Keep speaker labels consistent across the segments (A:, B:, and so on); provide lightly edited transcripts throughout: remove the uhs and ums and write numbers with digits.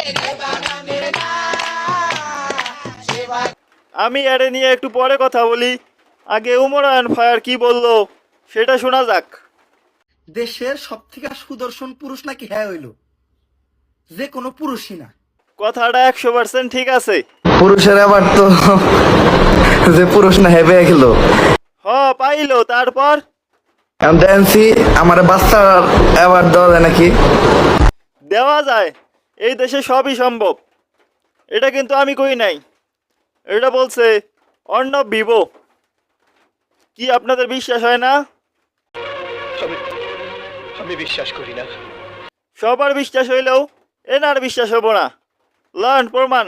A: আমি এর নিয়ে একটু পরে কথা বলি, আগে উমরান ফায়ার কি বললো সেটা শোনা যাক।
B: দেশের সব থেকে সুদর্শন পুরুষ নাকি হ্যাঁ হইল, যে কোনো পুরুষই না।
A: কথাটা 100% ঠিক আছে।
B: পুরুষের আবার তো যে পুরুষ না হেবে গেল।
A: হ পাইলো, তারপর
B: দেখছি আমার বাচ্চার অ্যাওয়ার্ড দেওয়া যায় নাকি?
A: দেওয়া যায়, এই দেশে সবই সম্ভব। এটা কিন্তু আমি কই নাই, এটা বলছে অর্ণব ভিভো। কি আপনাদের বিশ্বাস হয় না?
C: আমি বিশ্বাস করি না।
A: সবার বিশ্বাস হইলেও এনার বিশ্বাস হবো না। লার্ন প্রমাণ।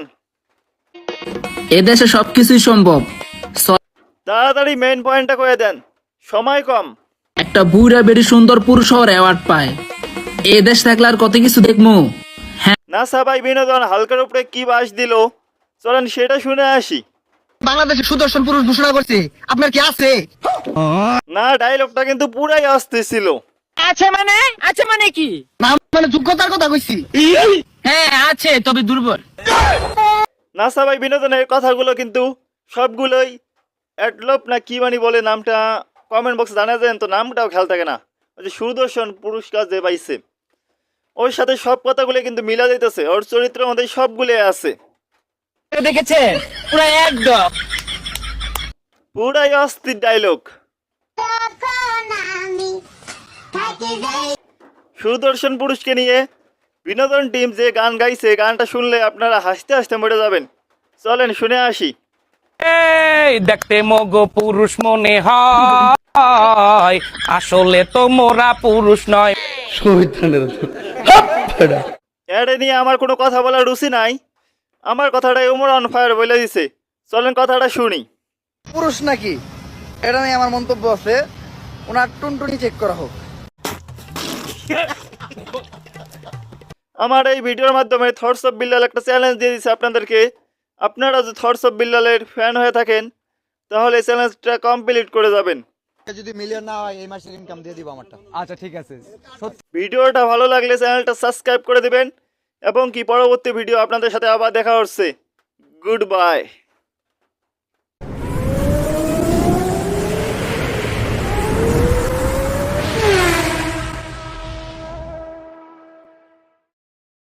D: এদেশে সবকিছুই সম্ভব।
A: তাড়াতাড়ি মেইন পয়েন্টটা করে দেন, সময় কম।
D: একটা বুড়া বেড়ি সুন্দর পুরুষ হওয়ার অ্যাওয়ার্ড পায়। এ দেশ থাকলে আর কত কিছু দেখবো।
A: নাসা ভাই বিনোদন হালকার উপরে কি বাস দিল, চলেন সেটা শুনে আসি।
B: বাংলাদেশে সুদর্শন পুরুষ ঘোষণা করছে, আপনার কি আছে?
A: না, ডায়লগটা কিন্তু পুরাই আসতে ছিল।
D: আছে মানে কি?
B: না মানে যোগ্যতার কথা কইছি।
D: হ্যাঁ আছে, তবে দুর্বল।
A: নাসা ভাই বিনোদনের কথাগুলো কিন্তু সবগুলোই অ্যাডলপ না কি মানি বলে নামটা, কমেন্ট বক্সে জানা যায় তো, নামটাও খেয়াল থাকে না। ওই যে সুদর্শন পুরস্কার যে পাইছে ওর সাথে সব কথাগুলো কিন্তু মিলা যাইতেছে, ওর চরিত্রের মধ্যে সবগুলো আছে।
D: দেখেছেন পুরো একদম
A: পুরাই অস্থির ডায়লগ। সুদর্শন পুরুষকে নিয়ে বিনোদন টিম যে গান গাইছে, গানটা শুনলে আপনারা হাসতে হাসতে মরে যাবেন। চলেন শুনে আসি।
E: এই দেখতে মগো পুরুষ মনে হয়, আসলে তো মোরা পুরুষ নয়।
A: এটা নিয়ে আমার কোনো কথা বলার রুচি নাই, আমার কথাটাই উমর অন ফায়ার বলে দিছে। চলেন কথাটা শুনি।
B: পুরুষ নাকি এটা নিয়ে আমার মন্তব্য আছে, ওনার টুনটুনি চেক করা হোক।
A: আমার এই ভিডিওর মাধ্যমে থটস অফ বিল্লাল একটা চ্যালেঞ্জ দিয়ে দিচ্ছে আপনাদেরকে। আপনারা যদি থটস অফ বিল্লালের ফ্যান হয়ে থাকেন তাহলে চ্যালেঞ্জটা কমপ্লিট করে যাবেন।
B: যদি মিলিয়ন না হয় এই মাসের ইনকাম দিয়ে দিব আমারটা।
C: আচ্ছা ঠিক আছে।
A: ভিডিওটা ভালো লাগলে চ্যানেলটা সাবস্ক্রাইব করে দিবেন এবং কি পরবর্তী ভিডিও আপনাদের সাথে আবার দেখা হচ্ছে। Good by.